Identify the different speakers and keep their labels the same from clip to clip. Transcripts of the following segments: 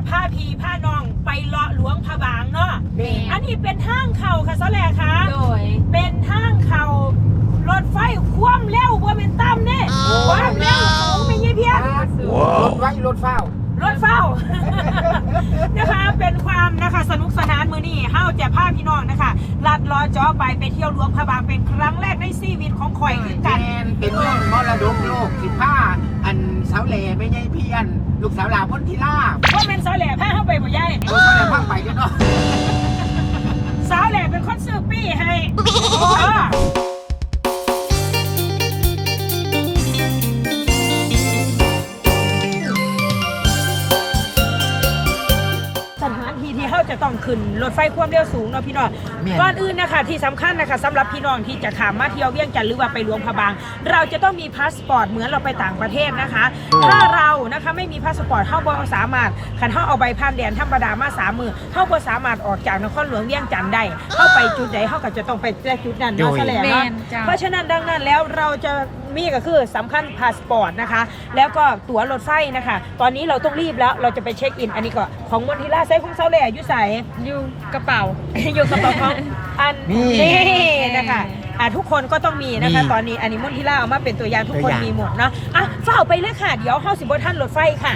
Speaker 1: ผ้าพีผ้าน้องไปเลาะหลวงพระบางเนาะอันนี้เป็นทางเข่าค่ะซะแหละค่ะโดยเป็นทางเข่ารถไฟคว่ำเร็วว่าเป็นตั้มเนี่ยคว่ำเร็วสูงไม่ยี่เพี้ยน
Speaker 2: รถไว้รถเฝ้า
Speaker 1: นะคะเป็นความนะคะสนุกสนานมื้อนี้เฮาจะพาพี่น้องนะคะลัดล้อจ่อไปเที่ยวหลวงพระบางเป็นครั้งแรกในชีวิตของข่อยคือกัน
Speaker 2: เป็นเรื่องมรดกโลก15อันสาวแหล่ไม่ใช่เพี้ยนลูกสาวลาวพ้นทีลา
Speaker 1: ว่าเป็นสาวแหล่พาเฮาไปบ่ยาย
Speaker 2: สาวแหล่พาไปด้วยเนาะ
Speaker 1: สาวแหล่เป็นคนซื้อปี้ให้จะต้องขึ้นรถไฟความเร็วสูงเนาะพี่น้องก่อนอื่นนะคะที่สำคัญนะคะสำหรับพี่น้องที่จะข้ามมาเที่ยวเวียงจันทร์หรือว่าไปหลวงพระบางเราจะต้องมีพาสปอร์ตเหมือนเราไปต่างประเทศนะคะถ้าเรานะคะไม่มีพาสปอร์ตเข้าบ่สามารถคันเข้าเอาใบผ่านแดนธรรมดามา3 มือเข้าบ่สามารถออกจากนครหลวงเวียงจันทร์ได้เข้าไปจุดใดเข้าก็จะต้องไปจุดนั้นเนาะแสดงเนาะเพราะฉะนั้นดังนั้นแล้วเราจะมีก็คือสำคัญพาสปอร์ตนะคะแล้วก็ตั๋วรถไฟนะคะตอนนี้เราต้องรีบแล้วเราจะไปเช็คอินอันนี้ก็ของมณฑิลาไซของเซาแหล่อยู่ใส่
Speaker 3: อยู่กระเป๋า
Speaker 1: อยู่กระเป๋าของอันนี้นะคะทุกคนก็ต้องมีนะคะตอนนี้อันนี้มณฑิลาเอามาเป็นตัวอย่างทุกคนมีหมดเนาะเฝ้าไปเลยค่ะเดี๋ยวเข้าสิบท่านรถไฟค่ะ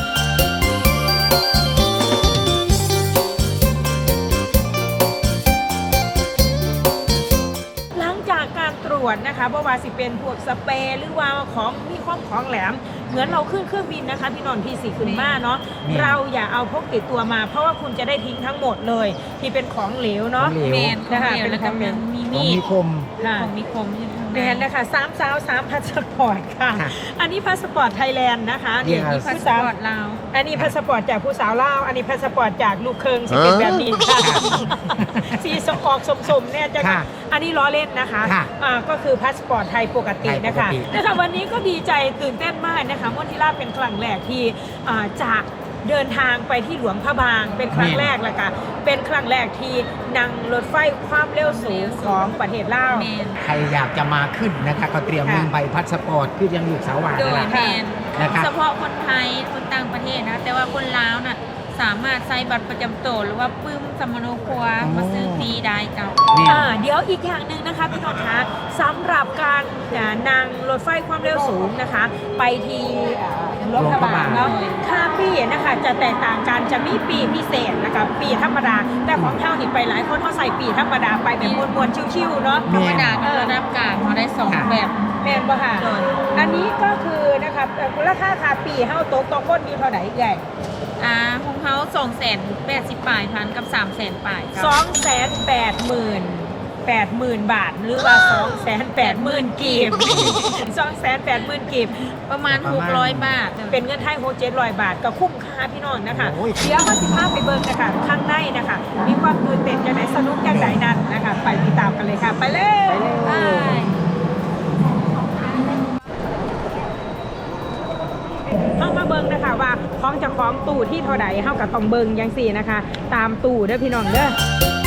Speaker 1: ตรวจนะคะเพราะว่าสิเป็นพวกสเปรย์หรือว่าของมีของแหลมเหมือนเราขึ้นเครื่องบินนะคะพี่นนท์พี่สีขึ้นมาเนาะเราอย่าเอาพกติดตัวมาเพราะว่าคุณจะได้ทิ้งทั้งหมดเลยที่เป็นของเหลวเนาะ
Speaker 3: เมน
Speaker 1: นะคะ
Speaker 3: เป็นของเหลว
Speaker 2: มีคม
Speaker 3: ของมีคม
Speaker 1: แมนนะคะ3 สาว 3 พาสปอร์ตค่ะอันนี้พาสปอร์ตไทยแลนด์นะคะ
Speaker 3: นี่พาสปอร์ตลาว
Speaker 1: อันนี้พาสปอร์ตจากผู้สาวลาวอันนี้พาสปอร์ตจากลูกเคิงสิเป็นแบบนี้ค่ะสีออกสมเนี่ยจะอันนี้ล้อเล่นนะคะก็คือพาสปอร์ตไทยปกตินะคะวันนี้ก็ดีใจตื่นเต้นมากนะคะมณฑิลาเป็นครั้งแรกที่จากเดินทางไปที่หลวงพระบางเป็นครั้งแรกแล้วค่ะเป็นครั้งแรกที่นั่งรถไฟความเร็วสูงของประเทศลาว
Speaker 2: ใครอยากจะมาขึ้นนะคะก็เตรียมใบพาสปอร์ตคือยังอยู่สาวหวาน
Speaker 3: นะคะเฉพาะคนไทยคนต่างประเทศนะแต่ว่าคนลาวน่ะสามารถใช้บัตรประจำตัวหรือว่าปึ้มสมโนครัวมาซื้อฟรีได้เก่า
Speaker 1: เดี๋ยวอีกอย่างหนึ่งนะคะพี่น้องคะสำหรับการนั่งรถไฟความเร็วสูงนะคะไปที่หลวงพระบางเนาะค่าปีนะคะจะแตกต่างกันจะมีปีพิเศษนะคะปีธรรมดาแต่ของเท่าที่ไปหลายคนเขาใส่ปีธรรมดาไปแบบมวนๆชิวๆเนาะ
Speaker 3: ธรรมดาระดับกลางเขาได้2แบบ
Speaker 1: แม่นบ่ค่ะอันนี้ก็คือนะคะราคาค่าปีเฮาตกคนมีเท่าไหร่ใหญ่
Speaker 3: ของเขา280,000 พันกับ300,000 ปลาย
Speaker 1: 280,000 บาทหรือว่า280,000 กีบ280,000 กีบ
Speaker 3: ประมาณ600 บาท
Speaker 1: เป็นเงินไทย600-700 บาทก็คุ้มค่าพี่น้องนะคะเดี๋ยวมาสิพาไปเบิ่งนะคะข้างในนะคะมีความตื่นเต้นจังได๋สนุกจังได๋นั้นนะคะไปติดตามกันเลยค่ะไปเลยเข้ามาเบิ่งนะคะว่าของเจ้าของตู้ที่เท่าใดเฮาก็ต้องเบิ่งจังซี่นะคะตามตู้เด้อพี่น้องเด้อ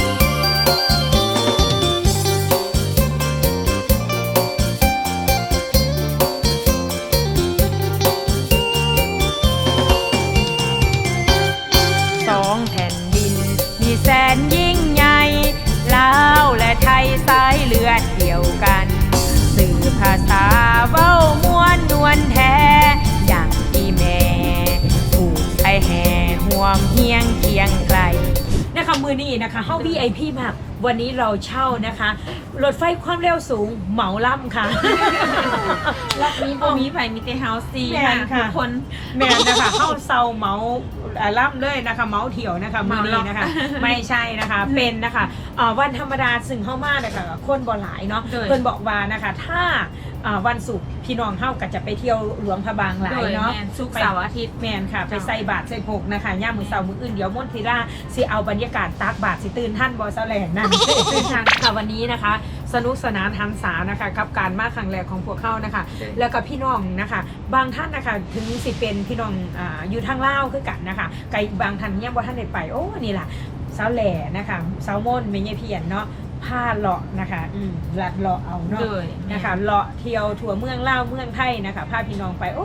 Speaker 1: 2 แผ่นดินมีแสนยิ่งใหญ่ลาวและไทยสายเลือดเดียวกันสื่อภาษาเว้าม่วนนวลแท้อย่างที่แม่ผูกไทยแห่ห่วงเฮียงเคียงไกลนะคะมือนี้นะคะเข้า VIP มากวันนี้เราเช่านะคะรถไฟความเร็วสูงเหมาล่ำค่ะ
Speaker 3: รอบนี้มีไผ่มีแต่เฮาซีค่ะทุกคน
Speaker 1: แม่นะคะเข้าเซาเหมาล่ำเลยนะคะเมาเที่ยวนะคะมือนี้นะคะไม่ใช่นะคะเป็นนะคะวันธรรมดาซึ่งเข้ามานะคะคนบ่หลายเนาะเพิ่นบอกว่านะคะถ้าวันศุกร์พี่น้องเฮาก็จะไปเที่ยวหลวงพระบางหลายเนาะ
Speaker 3: ศุกร์เสาร์อาทิตย์
Speaker 1: แม่นค่ะไปใส่บาตรใส่พกนะคะย่ามมื้อเช้ามื้ออื่นเดี๋ยวมณฑิลาสิเอาบรรยากาศตักบาตรสิตื่นท่านบ่เซาแหล่นั่นตื่นทางค่ะวันนี้นะคะสนุกสนานหันษานะคะกับการมาครั้งแรกของพวกเขานะคะแล้วก็พี่น้องนะคะบางท่านนะคะถึงสิเป็นพี่น้องอยู่ทางลาวคือกันนะคะไกลบางท่านยังบ่ทันได้ไปโอ้นี่ล่ะเซาแหล่นะคะเซาม่นแม่ใหญ่เพียรเนาะผ้าเลาะนะคะลัดเลาะเอาเนาะนะคะเลาะเที่ยวทั่วเมืองลาวเมืองไทยนะคะพาพี่น้องไปโอ้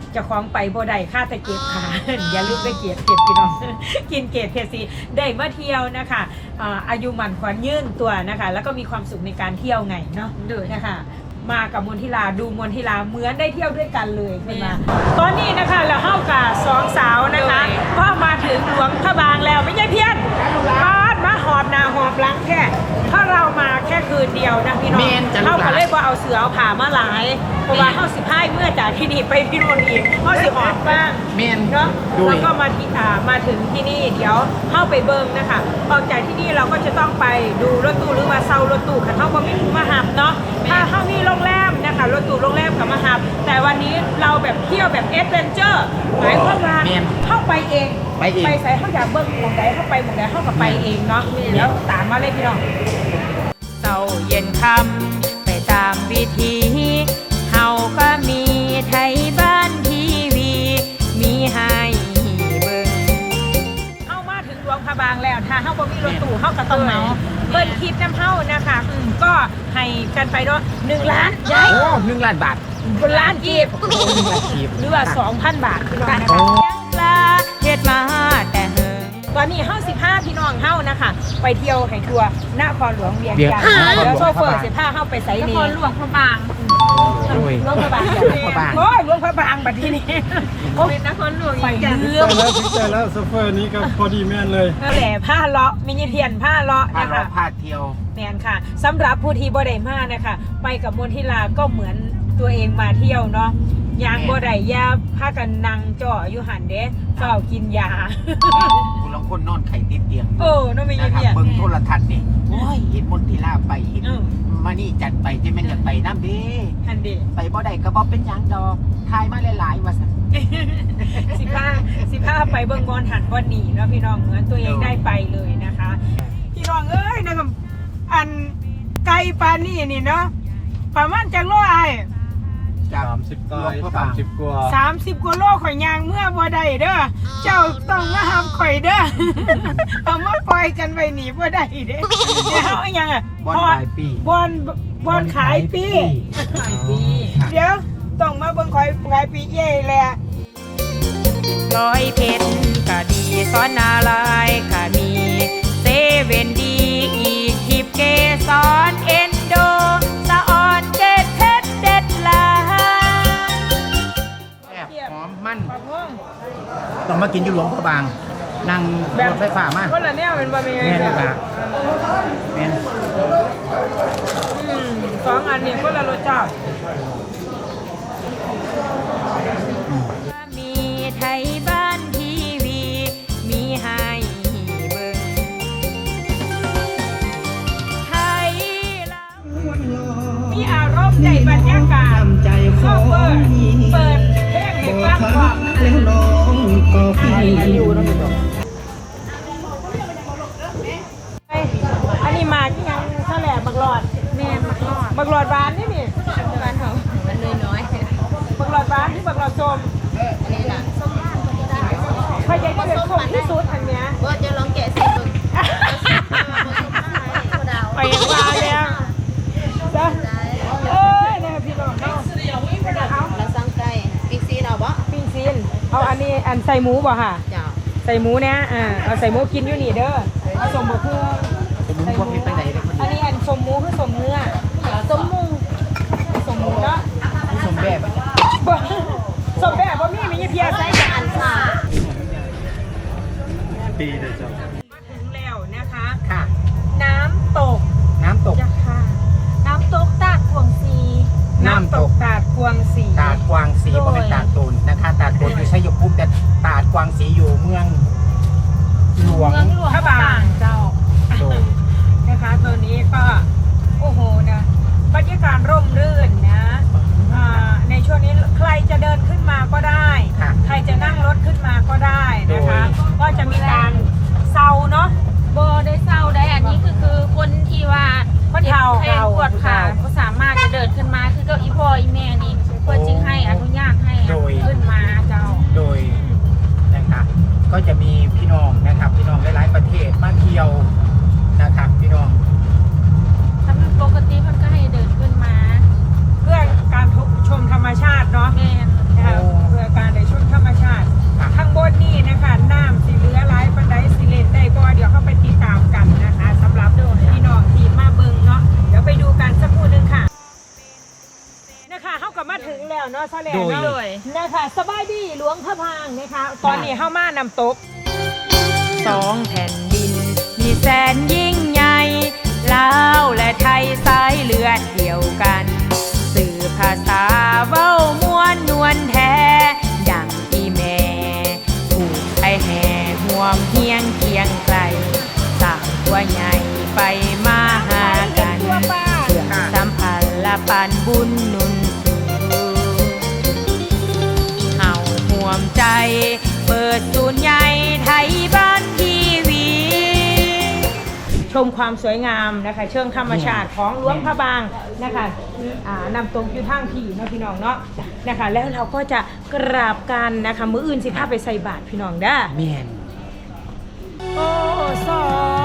Speaker 1: จะคล้องไปบ่ได้ค่าแต่เก็บค่ะ อย่าลืมไปเก็บพี่น้อง กินเกตเพซีได้มาเที่ยวนะคะอายุหมันขวัญยืนตัวนะคะ แล้วก็มีความสุขในการเที่ยวไงเนาะด้วยนะคะมากับมณฑิลาดูมณฑิลาเหมือนได้เที่ยวด้วยกันเลยขึ้นมาตอนนี้นะคะเราเข้ากับสองสาวนะคะก็มาถึงหลวงพระบางแล้วไม่ใช่เพี้ยนมาหอบนาหอบหลังแค่ถ้าเรามาแค่คืนเดียวนะพี่น้องเข้ากับเลยว่าเอาเสือเอาผ่ามาหลายเพราะว่าเข้า15เมื่อจากที่นี่ไปที่โน่นอีกเข้าสิหอบบ้าง
Speaker 2: เมน
Speaker 1: เนาะแล้วก็มาถึงที่นี่เดี๋ยวเข้าไปเบิ้งนะคะออกจากที่นี่เราก็จะต้องไปดูรถตู้หรือมาเซารถตู้ค่ะเข้าก็ไม่ถูกมาหับเนาะถ้าเข้ามีโรงแรมนะคะรถตู้โรงแรมกับมาหับแต่วันนี้เราแบบเที่ยวแบบเอดเวนเจอร์หมายความว่าเข้าไปเองไปใส่เข้าอยากเบิ้งหมองใดเข้าไปหมองใดเข้ากับไปเองเนาะเดี๋ยวตามมาเลยพี่น้องเช้าเย็นค่ำไปตามวิธีเฮาก็มีไทยบ้านทีวีมีให้เบิ่งเฮามาถึงหลวงพระบางแล้วถ้าเฮาบ่มีรถตู้เฮาก็ต้องเหมาเบิ่นคลิปน้ำเฮานะคะก็ให้กันไปด้วย1 ล้านใหญ่
Speaker 2: โอ้1 ล้านบาท
Speaker 1: 1 ล้านกีบ
Speaker 2: 1 ล้านกีบ
Speaker 1: หรือว่า 2,000 บาทพี่น้องนะคะยังลาเฮ็ดมาแต่เฮิงตอนนี้เฮา15พี่น้องเฮานะคะไปเที่ยวให้ทัวร์นครหลวงเวียงจันทร์แล้วโชเฟอร์สิพาเฮาไปไส
Speaker 3: น
Speaker 1: นี่
Speaker 3: ครหลวงพระบาง
Speaker 2: โอ้ย
Speaker 1: หลวงพระบาง
Speaker 2: หลวงพระบาง
Speaker 1: โอ้ยหลวงพระบางบัดทีนี้โอ้ย
Speaker 3: เป็นนครหลวง
Speaker 1: ไป
Speaker 3: อีกจัง
Speaker 1: เรื่อง
Speaker 4: แต่แล้วโซเฟอร์นี้ก็พอดีแม่นเลย
Speaker 1: แหล่ผ้าเลาะมินิเพียนผ้าเลาะ
Speaker 2: พา
Speaker 1: นะ
Speaker 2: เรา
Speaker 1: คะ
Speaker 2: พาเที่ยว
Speaker 1: แมนค่ะสำหรับผู้ที่บ่ได้มานะคะไปกับมณฑิลาก็เหมือนตัวเองมาเที่ยวเนาะยางบ่ได้ยาพากันนั่งจ่ออยู่หันเด้เฝ้ากินยา
Speaker 2: คุณลองคนนอนไข่ติดเตียง
Speaker 1: โอ้น้องมินิ
Speaker 2: นะครับ
Speaker 1: เพียน
Speaker 2: เบิ่งโทรทัศน์นี่โอ้ยเห็นมณฑิลาไปเห็น
Speaker 1: อืม
Speaker 2: มานี่จัดไปจะแม่นอยากไปน้ำเด้
Speaker 1: หันเด้
Speaker 2: ไปบ่ได้ก็บ่เป็นหยังดอกทายมาหลายๆว่าซั่น
Speaker 1: สิบห้าไปเบิ่งบอลหันบอลหนีเนาะพี่น้องเหมือนตัวเองได้ไปเลยนะคะ พี่น้องเอ้ยนะครับอันไกลปานนี่นี่เนาะประมาณจังโลไอ
Speaker 2: จาก
Speaker 4: 30
Speaker 2: หลวงพระบาง
Speaker 4: 30 กว่า
Speaker 1: 30กว่าโลข่อยยางเมื่อบ่ได้เด้อเจ้าต้องมาห้ามข่อยเด้อ เอามาปล่อยกันไว้หนีบ่ได้เด้อเดี๋ยวเอาอย่างอ่ะ
Speaker 2: บอนปลายปี
Speaker 1: บอลขายปีเดี๋ยวต้องมาเบิ่งข่อยขายปีเย่แหละร้อยเพชรก็ดีซ้อนนาลายก็มีเซเว่นดีอีกทิปเกสอนเอ็นโดสะออนเกตเพชรเด็ดลา
Speaker 2: แซ่บหอมมัน
Speaker 1: ปะพ่วง
Speaker 2: ต้องมากินอยู่หลวงพระบางนั่งรถไฟฟ้ามา
Speaker 1: คนละแนวเป็นบะหมี่
Speaker 2: แม่นครับแม่น
Speaker 1: สองอันนี้คนละรสชาติมีไทยบ้านทีวีมีให้เบิ่งไทยลาวมีอารมณ์ในบรรยากาศเข้าเปิดเพลงให้ฟังก่อน อันนี้มาที่ยังเท่าแหล่บักหลอด
Speaker 3: แม่มากอด
Speaker 1: บักหลอดบานนี่นี่
Speaker 3: บ้านเขามันเลยน้อย
Speaker 1: บักหลอดบานที่บักหลอดส้ม
Speaker 3: อันนี้ล่ะส้มบ้านคนที่ได้
Speaker 1: พยายามจะส้มที่สุดอันเนี้ย
Speaker 3: ว่าจะลองแกะสิมึงดาว
Speaker 1: ไปยังว่าแล้วจ้ะเอ้ยเนี่ยพี่น้องเอา
Speaker 3: แล้วสั่งไก่ปีซีเราบ่
Speaker 1: ปิ้งซีนเอาอันนี้อันใส่หมูบ่ค่ะ
Speaker 3: จ้า
Speaker 1: ใส่หมูเนี่ยเอาใส่หมูกินอยู่นี่เด้อเอาสมบูรณ์เพื่อ
Speaker 2: ผมพวกนี้ไปไหนเลยคน
Speaker 1: อันนี้อันสมหมูคือสมเนื้อสมหมูสมหมูเนาะ
Speaker 2: นี้ชมแบบ
Speaker 1: บ่สมแบบบ่มีมีเพียใส่กับอันซ่า
Speaker 4: ปีเดียวจ้ะ
Speaker 1: มาถึงแล้วนะคะ
Speaker 2: ค่ะ
Speaker 1: น้ำตก
Speaker 2: น้ำตก
Speaker 1: จ้ะค่ะน้ำตกตาดกวงสีตาดกวงสี
Speaker 2: ตาดกวางสีบ่เป็นตาดตูนนะคะตาดตูนอยู่ชัยภูมิแต่ตาดกวางสีอยู่เมืองหลวง
Speaker 3: เมืองหลวงพระบางเจ้า
Speaker 2: โดย
Speaker 1: นะคะตัวนี้ก็โอ้โหนะบรรยากาศร่มรื่นนะในช่วงนี้ใครจะเดินขึ้นมาก็ได้
Speaker 2: ค่ะ
Speaker 1: ใครจะนั่งรถขึ้นมาก็ได้นะคะ ก็จะมีการเซาเนาะ
Speaker 3: โบได้เศร้าได้อันนี้คือคนที่ว่า
Speaker 1: คนเฒ่า
Speaker 3: แขนปวดขาก็สามารถจะเดินขึ้นมาคือเก้าอีพ่ออีแม่นี่เพื่อจึงให้อนุญาตให้ขึ้นมาเจ้า
Speaker 2: โดยนะครับก็จะมีพี่น้องนะครับพี่น้องหลายๆประเทศมาเที่ยวนะครับพี่น้อง
Speaker 3: ถ้าเป็นปกติมันก็ให้เดินขึ้นมา
Speaker 1: เพื่อการชมธรรมชาติเนาะ
Speaker 3: แม่น
Speaker 1: นะคะเพื่อการได้ชมธรรมชาติข้างบนนี่นะคะน้ำสีเหลือหลายปันไดสิเลนได้บ่เดี๋ยวเข้าไปติดตามกันนะคะสำหรับพี่น้องที่มาเบิ่งเนาะเดี๋ยวไปดูกันสักครู่นึงค่ะนะคะเข้ากับมาถึงแล้วเนาะซะแล้วเนาะนะคะสบายดีหลวงพระพางนะคะตอนนี้เข้ามานำตกสองแผ่นดินมีแสนยิ่งใหญ่ลาวและไทยสายเลือดเดียวกันสื่อภาษาเว้ามวนนวลแท้ดังอีแม่ถูกไอแห่ห่วมเฮียงเคียงไกลสร้างตัวใหญ่ไปมาหากันเพื่อสัมพันธ์และปันบุญหนุนสู่เฮาห่วมใจเปิดศูนย์ใหญ่ไทยบ้านทีวีชมความสวยงามนะคะเชิงธรรมชาติของหลวงพระบางนะคะนำตรงอยู่ทางพี่เนาะพี่น้องเนาะนะคะแล้วเราก็จะกราบกันนะคะมื้ออื่นสิพาไปใส่บาตรพี่น้องเด้อ
Speaker 2: แม่น
Speaker 1: โอ้สอง